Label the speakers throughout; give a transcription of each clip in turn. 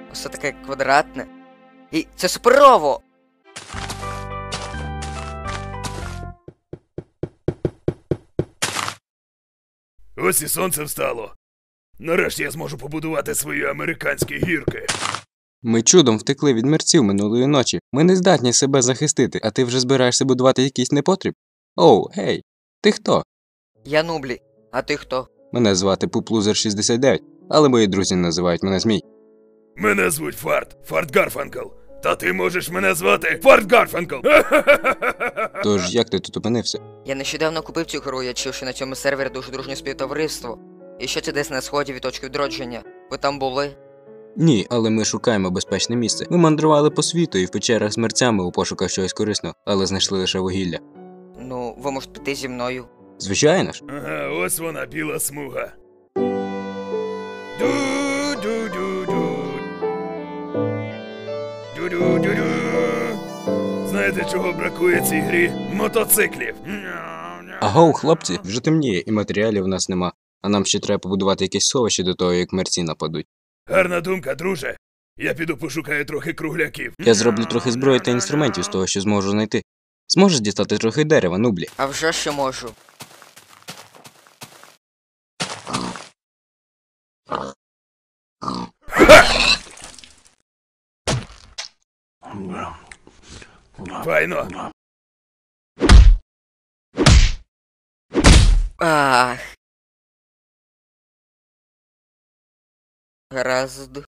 Speaker 1: Все таке квадратне. І це суперово!
Speaker 2: Ось і сонце встало. Нарешті я зможу побудувати свої американські гірки.
Speaker 3: Ми чудом втекли від мерців минулої ночі. Ми не здатні себе захистити, а ти вже збираєшся будувати якийсь непотріб? Оу, гей, ти хто?
Speaker 1: Я Нублі. А ти хто?
Speaker 3: Мене звати Пуплузер 69, але мої друзі називають мене Змій.
Speaker 2: Мене звуть Фарт Гарфанкл. Та ти можеш мене звати Фарт Гарфанкл.
Speaker 3: Тож, як ти тут опинився?
Speaker 1: Я нещодавно купив цю гру, я чув, що на цьому сервері дуже дружнє співтовариство. І що це десь на сході від точки відродження. Ви там були?
Speaker 3: Ні, але ми шукаємо безпечне місце. Ми мандрували по світу і в печерах з мерцями у пошуках чогось корисного, але знайшли лише вугілля.
Speaker 1: Ну, ви можете піти зі мною.
Speaker 3: Звичайно ж.
Speaker 2: Ага, ось вона, біла смуга. Ду-ду-ду-ду. Ду-ду-ду-ду. Знаєте, чого бракує цій грі? Мотоциклів.
Speaker 3: Агоу, хлопці, вже темніє і матеріалів у нас нема. А нам ще треба побудувати якесь сховище до того, як мерці нападуть.
Speaker 2: Гарна думка, друже. Я піду пошукаю трохи кругляків.
Speaker 3: Я зроблю трохи зброї та інструментів з того, що зможу знайти. Зможеш дістати трохи дерева, Нублі?
Speaker 1: А вже що можу.
Speaker 2: Файно.
Speaker 1: Ах. Гаразд.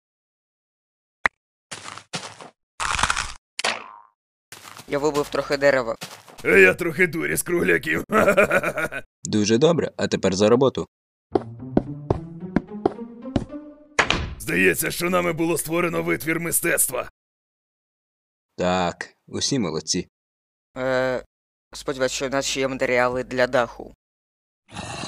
Speaker 1: Я вибив трохи дерева.
Speaker 2: А я трохи дурі з кругляків.
Speaker 3: Дуже добре, а тепер за роботу.
Speaker 2: Здається, що нами було створено витвір мистецтва.
Speaker 3: Так, усі молодці.
Speaker 1: Сподіваюсь, що в нас ще є матеріали для даху.